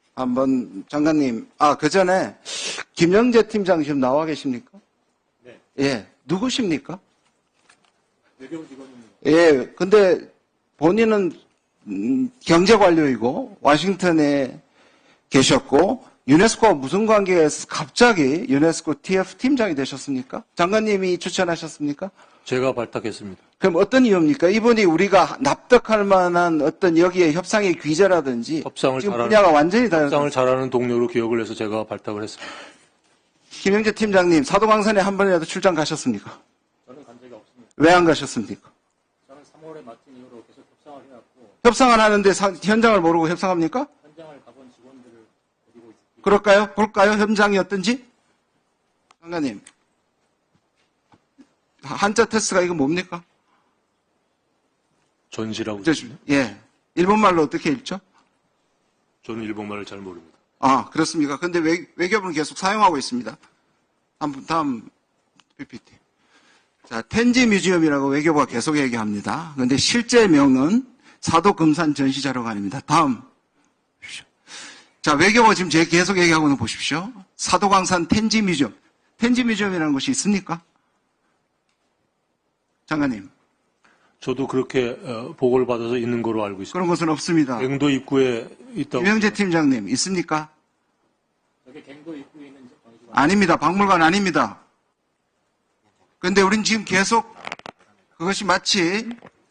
한번 장관님, 그 전에 김영재 팀장 지금 나와 계십니까? 네. 예. 누구십니까? 외교부 직원입니다. 예. 근데 본인은 경제 관료이고 워싱턴에 계셨고 유네스코와 무슨 관계에서 갑자기 유네스코 TF 팀장이 되셨습니까? 장관님이 추천하셨습니까? 제가 발탁했습니다. 그럼 어떤 이유입니까? 이분이 우리가 납득할 만한 어떤 여기에 협상의 귀재라든지 협상을 지금 잘하는- 분야가 완전히 다른 협상을 잘하는 동료로 기억을 해서 제가 발탁을 했습니다. 김영재 팀장님 사도광산에 한 번이라도 출장 가셨습니까? 저는 간 적이 없습니다. 왜 안 가셨습니까? 저는 3월에 맡은 이후로 계속 협상을 해왔고 협상을 하는데 현장을 모르고 협상합니까? 현장을 가본 직원들을 데리고 있습니다. 그럴까요? 볼까요? 현장이 어떤지? 장관님 한자 테스트가 이거 뭡니까? 전시라고. 예. 일본말로 어떻게 읽죠? 저는 일본말을 잘 모릅니다. 그렇습니까? 근데 외교부는 계속 사용하고 있습니다. 다음 PPT. 자, 텐지 뮤지엄이라고 외교부가 계속 얘기합니다. 근데 실제 명은 사도금산 전시자료관입니다. 다음. 자, 외교부가 지금 계속 얘기하고는 보십시오. 사도광산 텐지 뮤지엄. 텐지 뮤지엄이라는 곳이 있습니까? 장관님. 저도 그렇게 보고를 받아서 있는 거로 알고 있습니다. 그런 곳은 없습니다. 갱도 입구에 있다고. 김영재 팀장님, 있습니까? 여기 갱도 입구에 있는 전시관. 아닙니다. 박물관 아닙니다. 그런데 우린 지금 계속 그것이 마치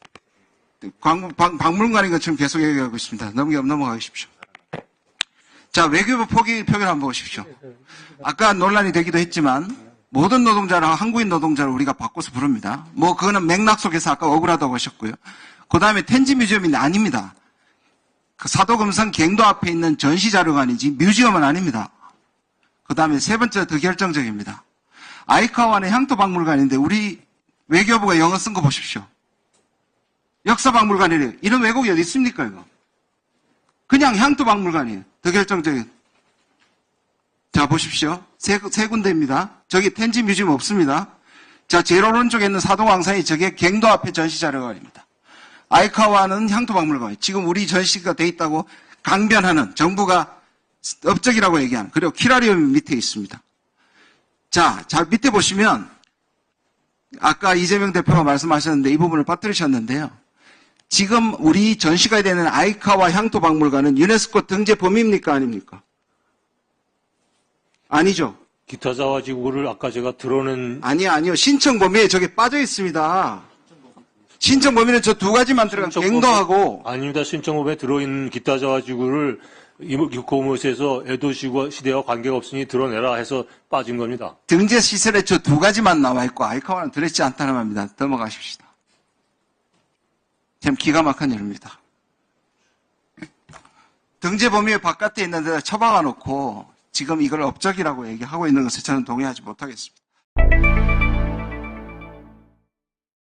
박물관인 것처럼 계속 얘기하고 있습니다. 넘어가십시오. 자, 외교부 표결 한번 보십시오. 아까 논란이 되기도 했지만 모든 노동자를 한국인 노동자를 우리가 바꿔서 부릅니다. 그거는 맥락 속에서 아까 억울하다고 하셨고요. 그 다음에 텐지 뮤지엄이 아닙니다. 그 사도금산 갱도 앞에 있는 전시자료관이지 뮤지엄은 아닙니다. 그 다음에 세 번째 더 결정적입니다. 아이카와는 향토박물관인데 우리 외교부가 영어 쓴 거 보십시오. 역사박물관이래요. 이런 왜곡이 어디 있습니까, 이거? 그냥 향토박물관이에요. 더 결정적인. 자, 보십시오. 세 군데입니다. 저기 텐지 뮤지엄 없습니다. 자, 제일 오른쪽에 있는 사도광산이 저게 갱도 앞에 전시자료관입니다. 아이카와는 향토박물관. 지금 우리 전시가 돼 있다고 강변하는 정부가 업적이라고 얘기하는. 그리고 키라리움 밑에 있습니다. 자, 밑에 보시면 아까 이재명 대표가 말씀하셨는데 이 부분을 빠뜨리셨는데요. 지금 우리 전시가 되는 아이카와 향토박물관은 유네스코 등재 범위입니까? 아닙니까? 아니죠. 기타 자와지구를 아까 제가 드러낸. 아니요. 신청 범위에 저게 빠져 있습니다. 신청 범위는 저 두 가지만 들어간 갱도하고. 아닙니다. 신청법에 들어있는 기타 자와지구를 이모기코모스에서 에도 시대와 관계가 없으니 드러내라 해서 빠진 겁니다. 등재 시설에 저 두 가지만 나와 있고 아이카와는 들어있지 않다는 말입니다. 넘어가십시다. 참 기가 막힌 일입니다. 등재 범위 바깥에 있는 데다 처박아 놓고 지금 이걸 업적이라고 얘기하고 있는 것에 저는 동의하지 못하겠습니다.